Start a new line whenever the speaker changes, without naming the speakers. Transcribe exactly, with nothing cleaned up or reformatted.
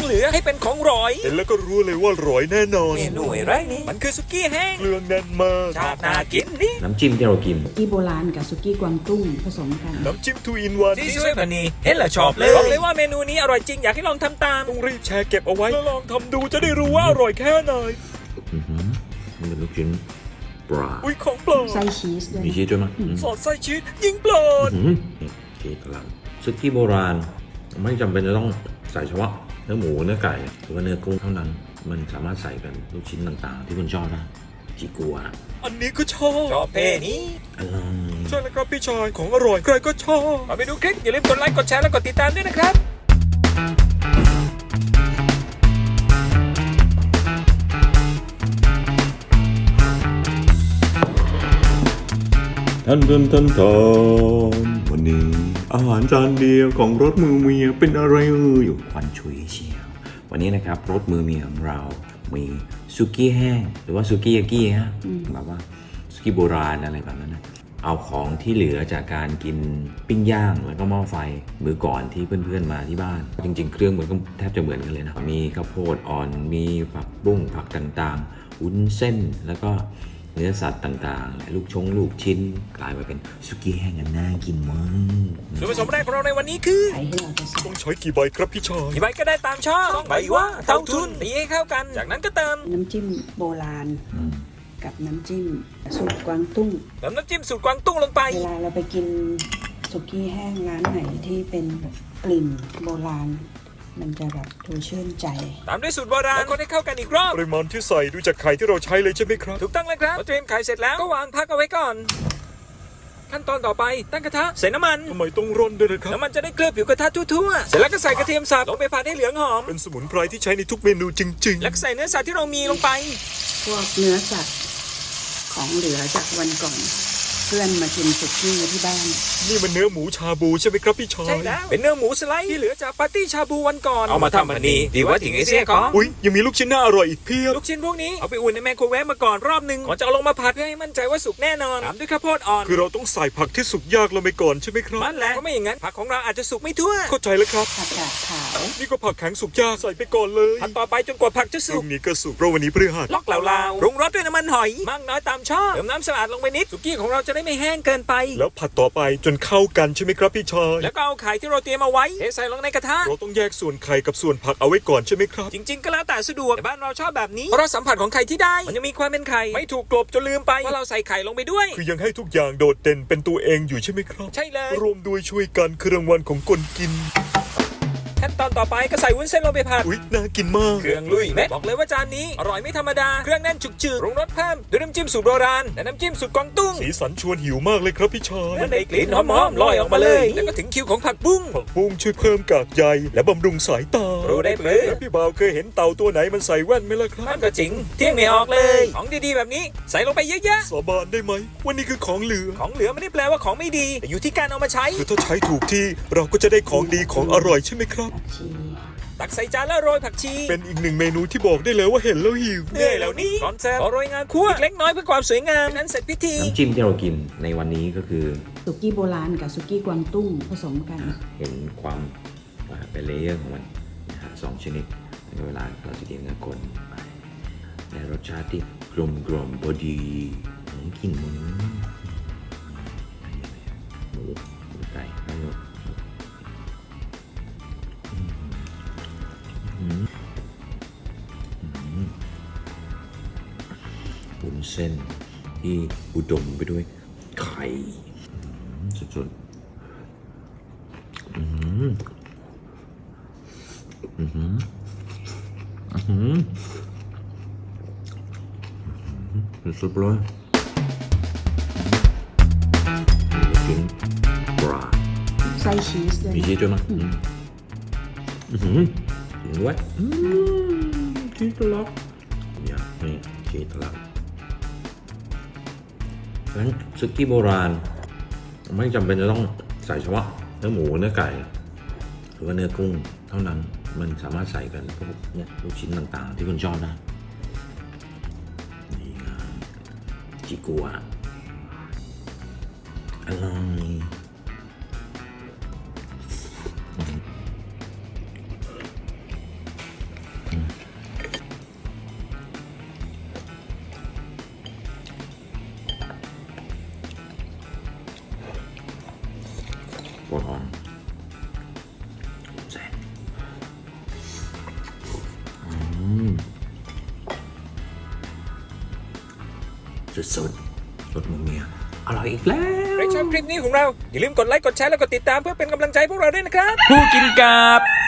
เหลือให้เป็นของร้อย
เห็นแล้วก็รู้เลยว่าร้อยแน่นอน
เมนูอะไรนี่มันคือสุกี้แห้ง
เครื่องแน่นมาก
ชาติน่ากินนี่
น้ำจิ้มที่เรากิน
สุกี้โบราณกับสุกี้กวางตุ้งผสมกัน
น้ำจิ้มทูอินวัน
ที่ช่วยพันนีเห็นแล้วชอบเลยบอกเลยว่าเมนูนี้อร่อยจริงอยากให้ลองทำตาม
ต้องรีบแชร์เก็บเอาไว้แล้วลองทำดูจะได้รู้ว่าอร่อยแค่ไหน
อือหือมันเป็นลูกชิ้นปลา
อุ้ยของปลอม
ไส้ชีสด้วย
มีชีสด้วยมั้ยอืม
สอดไส้ชีสยิงปลอด
อื้อหือนี่ชีสเราซุกี้โบราณ ไม่จำเป็นจะต้องใส่เฉพาะเนื้อหมูเนื้อไก่หรือว่าเนื้อกุ้งเท่านั้น มันสามารถใส่เป็นลูกชิ้นต่างๆ ที่คุณชอบได้จิกัว
อันนี้ก็ชอบ
ชอบเพนี้
อร่อย
ใช่แล้วครับพี่ชายของอร่อยใครก็ชอบ
มาไปดูคลิปอย่าลืมกดไลค์กดแชร์และกดติดตามด้วยนะครับ
ท่านท่านท่านท่านวันนี้อาหารจานเดียวของรถมือเมียเป็นอะไรเอ่ยอยู่ควันชุยเชียววันนี้นะครับรถมือเมียของเรา มีซุกี้แห้งหรือว่าซุกี้ยากิฮะแบบว่าซุกี้โบราณอะไรแบบนั้นนะเอาของที่เหลือจากการกินปิ้งย่างแล้วก็หม้อไฟมื้อก่อนที่เพื่อนๆมาที่บ้านจริงๆเครื่องมันก็แทบจะเหมือนกันเลยนะมีข้าวโพดอ่อนมีผักบุ้งผักต่างๆวุ้นเส้นแล้วก็เนื้อสัตว์ต่างๆลูกชงลูกชิ้นกลายมาเป็นซุกี้แห้งอันน่ากินมาก
ส่วนผสมแรกของเราในวันนี้คือ
ไข่ที่เราจะใส่
ต้องใช้กี่ใบครับพี่ชาย
กี่ใบก็ได้ตามชอบสองใบว่าเท่าทุนตีให้เข้ากันจากนั้นก็เติม
น้ำจิ้มโบราณ
อืม
กับน้ำจิ้มสูตรกวางตุ้ง
เติมน้ำจิ้มสูตรกวางตุ้งลงไป
เวลาเราไปกินสุกี้แห้งร้านไหนที่เป็นกลิ่นโบราณ มันจะแบบดูชื่นใจ
ตามด้วยสูตรโบราณแล้วคนให้เข้ากันอีกรอบ
ปริมาณที่ใส่ดูจากไข่ที่เราใช้เลยใช่ไหมครับ
ถูกต้องแล้วครับพอเตรียมไข่เสร็จแล้วก็วางพักเอาไว้ก่อน ขั้นตอนต่อไปตั้งกระทะใส่น้ำมัน
ทำไมต้องร่อนด้วยนะครับ
น้ำมันจะได้เคลือบผิวกระทะทั่วๆเสร็จแล้วก็ใส่กระเทียมสับลงไปผัดให้เหลืองหอม
เป็นสมุนไพรที่ใช้ในทุกเมนูจริง
แล้วก็ใส่เนื้อสัตว์ที่เรามีลงไป
พวกเนื้อสัตว์ของเหลือจากวันก่อน เพื่อนมากินสุกี้ที่บ้าน
ๆ นี่มันเนื้อหมูชาบูใช่ไหมครับพี่ชาย
ใช่แล้วเป็นเนื้อหมูสไลด์ที่เหลือจากปาร์ตี้ชาบูวันก่อนเอามาทำอันนี้ดีว่าถึงไอเสียของ
อุ้ยยังมีลูกชิ้นน่าอร่อยอีกเพียบ
ลูกชิ้นพวกนี้เอาไปอุ่นในไมโครเวฟมาก่อนรอบหนึ่งก่อนจะเอาลงมาผัดเพื่อให้มั่นใจว่าสุกแน่นอนตามด้วยข้าวโพดอ่อน
คือเราต้องใส่ผักที่สุกยากลงไปก่อนใช่ไหมครับ
นั่นแหละเพราะไม่อย่างนั้นผักของเราอาจจะสุกไม่ทั่ว
เข้าใจแล้วครับ
ผักกาดขาว
นี่ก็ผักแข็งสุกยากใส่ไปก่อนเลย
ผัดต่อไปจนกว่าผักจะ
พ
สุ
รุ่
ก
งนี้ก็สุกเพราะวันนี้พฤหัส
ล็อกเหลาๆปรุงรสด้วยน้ำมันหอยมากน้อยตามชอบเติมน้ำสะอาดลงไปนิดสุกี้ของเราจะได้ไม่แห้งเกินไป
แล้วผัดต่อไปจนเข้ากันใช่ไหมครับพี่ชาย
แล้วก็เอาไข่ที่เราเตรียมเอาไว้เทใส่ลงในกระทะ
เราต้องแยกส่วนไข่กับส่วนผักเอาไว้ก่อนใช่ไหมครับ
จริงๆก็แล้วแต่สะดวกแต่บ้านเราชอบแบบนี้เพราะรสสัมผัสของไข่ที่ได้มันยังมีความเป็นไข่ไม่ถูกกลบจนลืมไปว่าเราใส่ไข่ลงไปด้วย
คือยังให้ทุกอย่างโดดเด่นเป็นตัวเองอยู่ใช่ไหมครับ
ใช่เลย
รวมด้วยช่วยกันคือรางวัลของคนกิน
ขั้นตอนต่อไปก็ใส่วุ้นเส้นลงไปผัด
อุ๊ยน่ากินมาก
เครื่องลุยแม่บอกเลยว่าจานนี้อร่อยไม่ธรรมดาเครื่องแน่นจุกจืดปรุงรสเพิ่มด้วยน้ำจิ้มสูตรโบราณและน้ำจิ้มสูตรกวางตุ้ง
สีสันชวนหิวมากเลยครับพี่ชาย
มันได้กลิ่นหอมๆลอยออกมาเลยแล้วก็ถึงคิวของผักบุ้ง
ผักบุ้งช่วยเพิ่มกากใยและบำรุงสายตา
รู้ได้เปลือ
แล้วพี่บ่าวเคยเห็นเต่าตัวไหนมันใส่แว่นไหมล่ะครั
มั
บ
นก็จริงเที่ยงไม่ออกเลยของดีๆแบบนี้ใส่ลงไปเยอะ
สาบานได้ไหมว่านี่คือของเหลือ
ๆของเหลือไม่ได้แปลว่าของไม่ดีแต่อยู่ที่การเอามาใช้
คือถ้าใช้ถูกที่เราก็จะได้ของดีของอร่อยใช่ไหมครับ
ผักชี
ตักใส่จานแล้วโรยผักชี
เป็นอีกหนึ่งเมนูที่บอกได้เลยว่าเห็นแล้วหิว
เหนื่อยแล้วนี่ก่อนเสิร์ฟขอโรยงาคั่วเล็กน้อยเพื่อความสวยงามนั้นเสร็จพิธี
น้ำจิ้มที่เรากินในวันนี้ก็คือ
สุกี้โบราณกับสุกี้กวางตุ้งผสมกัน
เห็นความอ่าเป็นเลเยอร์ของมันนะฮะสองชนิดในเวลาเราจะกินกับคนไปในรสชาติที่กลมกล่อมพอดีอืมกลิ่นหมูหมูหมูไก่ทั้งหมดอืมอืมวุ้นเส้นที่อุดมไปด้วยไข่อืมสุดๆ อืมอืมอืมอืมสุดๆเลยลูกชิ้นปลา
ไส้ชีสด้วย
มีชีสด้วยมั้ยอืมอืมจริงด้วยอืมชีสทะลักเนี่ยนี่ชีสทะลักเพราะฉะนั้นซุกี้โบราณ ไม่จำเป็นจะต้องใส่เฉพาะเนื้อหมูเนื้อไก่หรือว่าเนื้อกุ้งเท่านั้นมันสามารถใส่กันพวกเนี่ยลูกชิ้นต่างๆ ที่คุณชอบได้นี่ครับจิกัวอร่อยก่อนแซ่บอืมสุดๆรสมือเมียอร่อยอีกแล้ว
ใครชอบคลิปนี้ของเราอย่าลืมกดไลค์กดแชร์แล้วกดติดตามเพื่อเป็นกำลังใจพวกเราด้วยนะครับ
ผู้กินกับ